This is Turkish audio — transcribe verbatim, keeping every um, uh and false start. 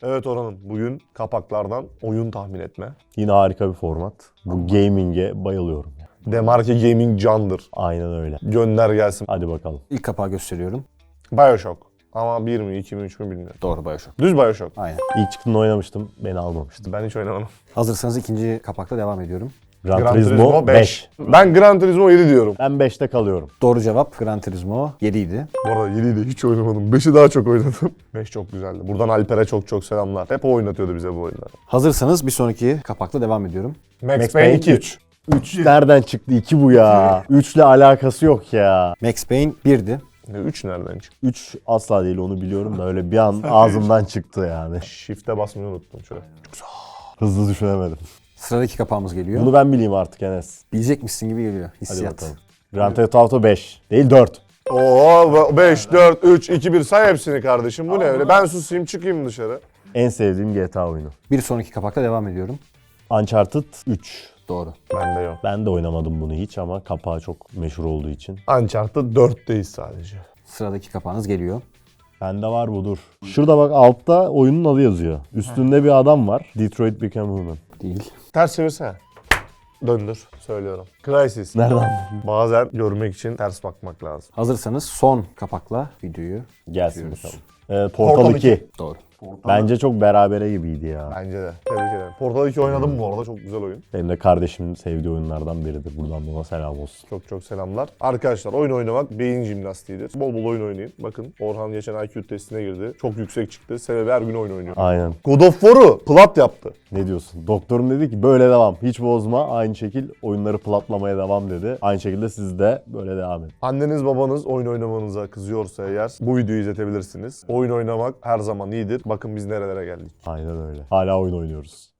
Evet Orhan'ım, bugün kapaklardan oyun tahmin etme. Yine harika bir format. Bu gaming'e bayılıyorum. Demarke Gaming candır. Aynen öyle. Gönder gelsin. Hadi bakalım. İlk kapağı gösteriyorum. Bioshock. Ama bir mi, iki mi, üç mü bilmiyorum. Doğru, Bioshock. Düz Bioshock. Aynen. İlk çıktığında oynamıştım. Beni almamıştı. Ben hiç oynamadım. Hazırsanız ikinci kapakla devam ediyorum. Gran, Gran Turismo, Turismo beş. Ben Gran Turismo yedi diyorum. Ben beşte kalıyorum. Doğru cevap Gran Turismo yedi idi. Bu arada yediyi de hiç oynamadım. beşi daha çok oynadım. beş çok güzeldi. Buradan Alper'e çok çok selamlar. Hep o oynatıyordu bize bu oyunları. Hazırsanız bir sonraki kapakla devam ediyorum. Max, Max Payne Payne iki. üç. üç nereden çıktı? iki bu ya. üç ile alakası yok ya. Max Payne birdi. üç nereden çıktı? üç asla değil, onu biliyorum da öyle bir an ağzımdan çıktı yani. Shift'e basmayı unuttum şöyle. Hızlı düşünemedim. Sıradaki kapağımız geliyor. Bunu ben bileyim artık Enes. Bilecekmişsin gibi geliyor. Hadi Hissiyat. bakalım. Grand Theft Auto beş. Değil dört. Oo beş, dört, üç, iki, bir say hepsini kardeşim. Bu ne öyle? Ben susayım çıkayım dışarı. En sevdiğim G T A oyunu. Bir sonraki kapakla devam ediyorum. Uncharted üç. Doğru. Bende yok. Ben de oynamadım bunu hiç ama kapağı çok meşhur olduğu için. Uncharted dörtteyiz sadece. Sıradaki kapağınız geliyor. Bende var bu, dur. Şurada bak, altta oyunun adı yazıyor. Üstünde bir adam var. Detroit Become Human. Değil. Ters çevirsene. Döndür. Söylüyorum. Crysis. Nereden? Bazen görmek için ters bakmak lazım. Hazırsanız son kapakla videoyu Gelsin bitiriyoruz. bakalım. Ee, Portal Portal iki. iki. Doğru. Bence çok berabere gibiydi ya. Bence de. Tebrik ederim. Portal iki oynadım bu arada. Çok güzel oyun. Benim de kardeşimin sevdiği oyunlardan biridir. Buradan da ona selam olsun. Çok çok selamlar. Arkadaşlar oyun oynamak beyin jimnastiğidir. Bol bol oyun oynayın. Bakın Orhan geçen I Q testine girdi. Çok yüksek çıktı. Sebebi her gün oyun oynuyor. Aynen. God of War'u plat yaptı. Ne diyorsun? Doktorum dedi ki böyle devam. Hiç bozma. Aynı şekil oyunları platlamaya devam dedi. Aynı şekilde siz de böyle devam edin. Anneniz babanız oyun oynamanıza kızıyorsa eğer bu videoyu izletebilirsiniz. Oyun oynamak her zaman iyidir. Bakın biz nerelere geldik. Aynen öyle. Hala oyun oynuyoruz.